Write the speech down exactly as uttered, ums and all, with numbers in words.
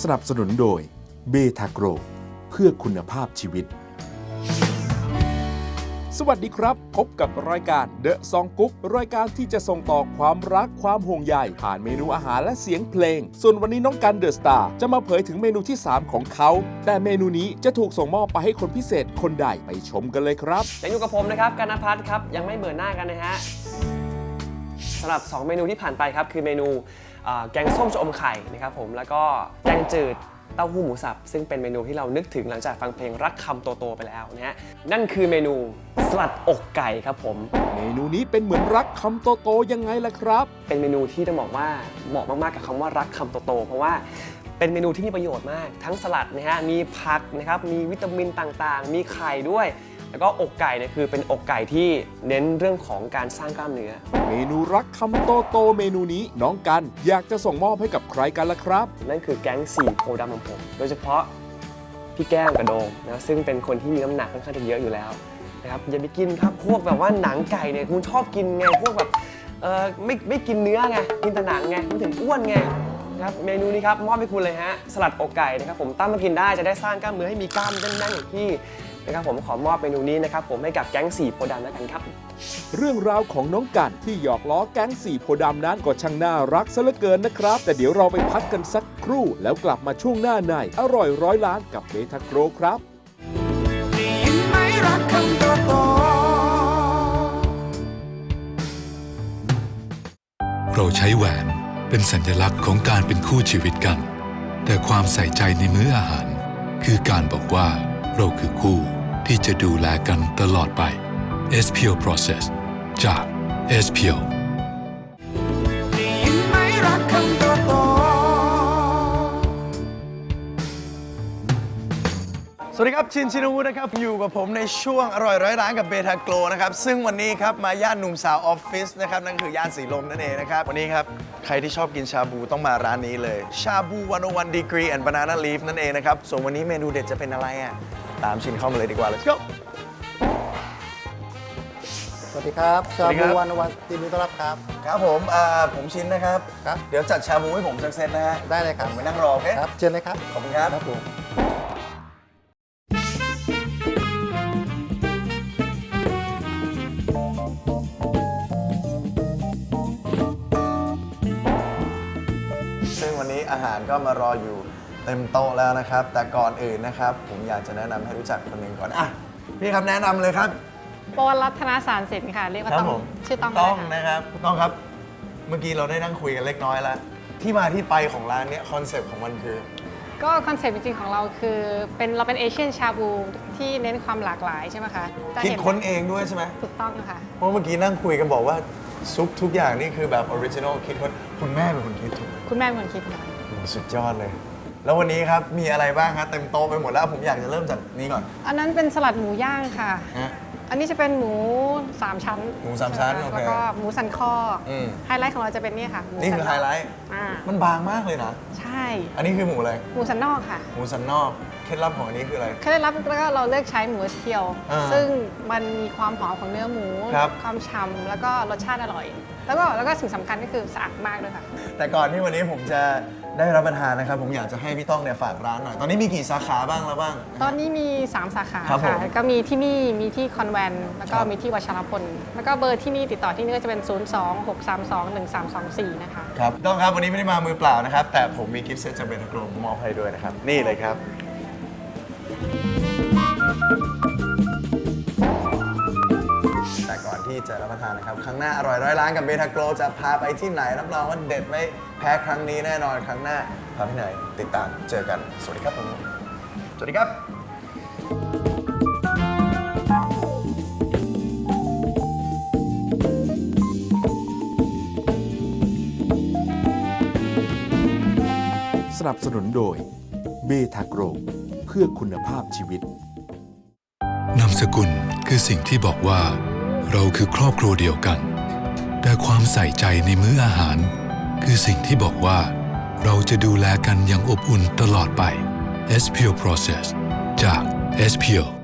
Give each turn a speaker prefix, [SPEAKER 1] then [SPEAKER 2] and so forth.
[SPEAKER 1] นับสนุนโดยเบทาโกรเพื่อคุณภาพชีวิตสวัสดีครับพบกับรายการเดอะซองกุ๊กรายการที่จะส่งต่อความรักความห่วงใยผ่านเมนูอาหารและเสียงเพลงส่วนวันนี้น้องกันเดอะสตาร์จะมาเผยถึงเมนูที่สามของเขาแต่เมนูนี้จะถูกส่งมอบไปให้คนพิเศษคนใดไปชมกันเลยครับ
[SPEAKER 2] ยังอยู่กับผมนะครับกันณภัทรครับยังไม่เบื่อหน้ากันนะฮะสำหรับสองเมนูที่ผ่านไปครับคือเมนูแกงส้มชะอมไข่นะครับผมแล้วก็แกงจืดเต้าหู้หมูสับซึ่งเป็นเมนูที่เรานึกถึงหลังจากฟังเพลงรักคำโตๆไปแล้วนะฮะนั่นคือเมนูสลัดอกไก่ครับผม
[SPEAKER 1] เมนูนี้เป็นเหมือนรักคำโตๆยังไงล่ะครับ
[SPEAKER 2] เป็นเมนูที่ต้องบอกว่าเหมาะมากๆกับคำว่ารักคำโตๆเพราะว่าเป็นเมนูที่มีประโยชน์มากทั้งสลัดนะฮะมีผักนะครับมีวิตามินต่างๆมีไข่ด้วยแล้วก็อกไก่เนี่ยคือเป็นอกไก่ที่เน้นเรื่องของการสร้างกล้ามเนื้อ
[SPEAKER 1] เมนูรักคำโตโตเมนูนี้น้องกันอยากจะส่งมอบให้กับใครกันล่ะครับ
[SPEAKER 2] นั่นคือแก๊งสี่โพดำของผมโดยเฉพาะพี่แก้มกับโดมนะซึ่งเป็นคนที่มีน้ำหนักค่อนข้างจะเยอะอยู่แล้วนะครับอย่าไปกินครับพวกแบบว่าหนังไก่เนี่ยคุณชอบกินไงพวกแบบเออไม่ไม่กินเนื้อไงกินแต่หนังไงมันถึงอ้วนไงนะครับเมนูนี้ครับมอบให้คุณเลยฮะสลัดอกไก่นะครับผมตั้งมากินได้จะได้สร้างกล้ามเนื้อให้มีกล้ามแน่นๆอย่างที่นะครับผมขอมอบเมนูนี้นะครับผมให้กับแก๊งสี่โพดำแล้วกันครับ
[SPEAKER 1] เรื่องราวของน้องกันที่หยอกล้อแก๊งสี่โพดำนั้นก็ช่างน่ารักซะเหลือเกินนะครับแต่เดี๋ยวเราไปพักกันสักครู่แล้วกลับมาช่วงหน้าในอร่อยร้อยล้านกับเบทาโกรครับ
[SPEAKER 3] เราใช้แหวนเป็นสัญลักษณ์ของการเป็นคู่ชีวิตกันแต่ความใส่ใจในมื้ออาหารคือการบอกว่าเราคือคู่ที่จะดูแลกันตลอดไป เอส พี โอ Process จาก เอส พี โอ
[SPEAKER 4] สวัสดีครับชินชินวุฒินะครับอยู่กับผมในช่วงอร่อยร้อยล้านกับเบทาโกรนะครับซึ่งวันนี้ครับมาย่านหนุ่มสาวออฟฟิศนะครับนั่นคือย่านสีลมนั่นเองนะครับวันนี้ครับใครที่ชอบกินชาบูต้องมาร้านนี้เลยชาบูหนึ่งศูนย์หนึ่ง degree and banana leaf นั่นเองนะครับส่วนวันนี้เมนูเด็ดจะเป็นอะไรอ่ะตามชินเข้ามาเลยดีกว่า let's go
[SPEAKER 5] สวัสดีครับชาบูวันวันยินดีต้อนรับครับ
[SPEAKER 4] ครับผมผมชินนะครับครับเดี๋ยวจัดชาบูให้ผมสักเซตนะฮะ
[SPEAKER 5] ได้เลยครับ
[SPEAKER 4] ไปนั่งรอโอเค
[SPEAKER 5] ครับเชิญเลยครับ
[SPEAKER 4] ขอบคุณครับ
[SPEAKER 5] ครับผม
[SPEAKER 4] ซึ่งวันนี้อาหารก็มารออยู่เต็มโต๊ะแล้วนะครับแต่ก่อนอื่นนะครับผมอยากจะแนะนำให้รู้จักคนหนึ่งก่อนอ่ะพี่ครับแนะนำเลยครับ
[SPEAKER 6] ปวรัตนสารสินค่ะเรียกว่าต้องชื่อต้อง
[SPEAKER 4] ต้องนะครับต้องครับเมื่อกี้เราได้นั่งคุยกันเล็กน้อยแล้วที่มาที่ไปของร้านนี้คอนเซปต์ของมันคือ
[SPEAKER 6] ก็คอนเซปต์จริงๆของเราคือเป็นเราเป็นเอเชียนชาบูที่เน้นความหลากหลายใช่ไหมคะ
[SPEAKER 4] คิดค้นเองด้วยใช่ไหม
[SPEAKER 6] ถูกต้องค่ะ
[SPEAKER 4] เพราะเมื่อกี้นั่งคุยกันบอกว่าซุปทุกอย่างนี่คือแบบออริจินอลคิดค้นคุณแม่เป็นคนคิดถูก
[SPEAKER 6] คุณแม่เป็นคนคิดค่ะ
[SPEAKER 4] สุดยอดเลยแล้ววันนี้ครับมีอะไรบ้างครับเต็มโต๊ะไปหมดแล้วผมอยากจะเริ่มจากนี้ก่อน
[SPEAKER 6] อันนั้นเป็นสลัดหมูย่างค่ะอันนี้จะเป็นหมูสามชั้น
[SPEAKER 4] หมูสามชั้นโอเค
[SPEAKER 6] แล้วก็หมูสันคอไฮไลท์ของเราจะเป็นนี่ค่ะ
[SPEAKER 4] นี่คือไฮไลท์มันบางมากเลยนะ
[SPEAKER 6] ใช่
[SPEAKER 4] อันนี้คือหมูอะไร
[SPEAKER 6] หมูสันนอกค่ะ
[SPEAKER 4] หมูสันนอกเคล็ดลับของอันนี้คืออะไร
[SPEAKER 6] เคล็ดลับแล้วก็เราเลือกใช้หมูเทียวซึ่งมันมีความหอมของเนื้อหมูความฉ่ำแล้วก็รสชาติอร่อยแล้วก็แล้วก็สิ่งสำคัญก็คือสะอาดมากด้วยค่ะ
[SPEAKER 4] แต่ก่อนที่วันนี้ผมจะได้รับประทานนะครับผมอยากจะให้พี่ต้องเนี่ยฝากร้านหน่อยตอนนี้มีกี่สาขาบ้างแล้วบ้าง
[SPEAKER 6] ตอนนี้มีสามสาขาค่ะก็มีที่นี่มีที่คอนแวนต์แล้วก็มีที่วัชรพลแล้วก็เบอร์ที่นี่ติดต่อที่นี่ก็จะเป็นศูนย์ สอง หก สาม สอง หนึ่ง สาม สอง สี่นะคะ
[SPEAKER 4] ครับต้องครับวันนี้ไม่ได้มามือเปล่านะครับแต่ผมมีกิฟต์เซตจากเบทาโกรมอบให้ด้วยนะครับนี่เลยครับแต่ก่อนที่จะรับประทานนะครับครั้งหน้าอร่อยร้อยล้านกับเบทาโกรจะพาไปที่ไหนรับรองว่าเด็ดไม่แพ้ครั้งนี้แน่นอนครั้งหน้าพาที่ไหนติดตามเจอกันสวัสดีครับผมสวัสดีครับ
[SPEAKER 1] สนับสนุนโดยเบทาโกรเพื่อคุณภาพชีวิต
[SPEAKER 3] นามสกุลคือสิ่งที่บอกว่าเราคือครอบครัวเดียวกันแต่ความใส่ใจในมื้ออาหารคือสิ่งที่บอกว่าเราจะดูแลกันอย่างอบอุ่นตลอดไป เอส พี โอ Process จาก เอส พี โอ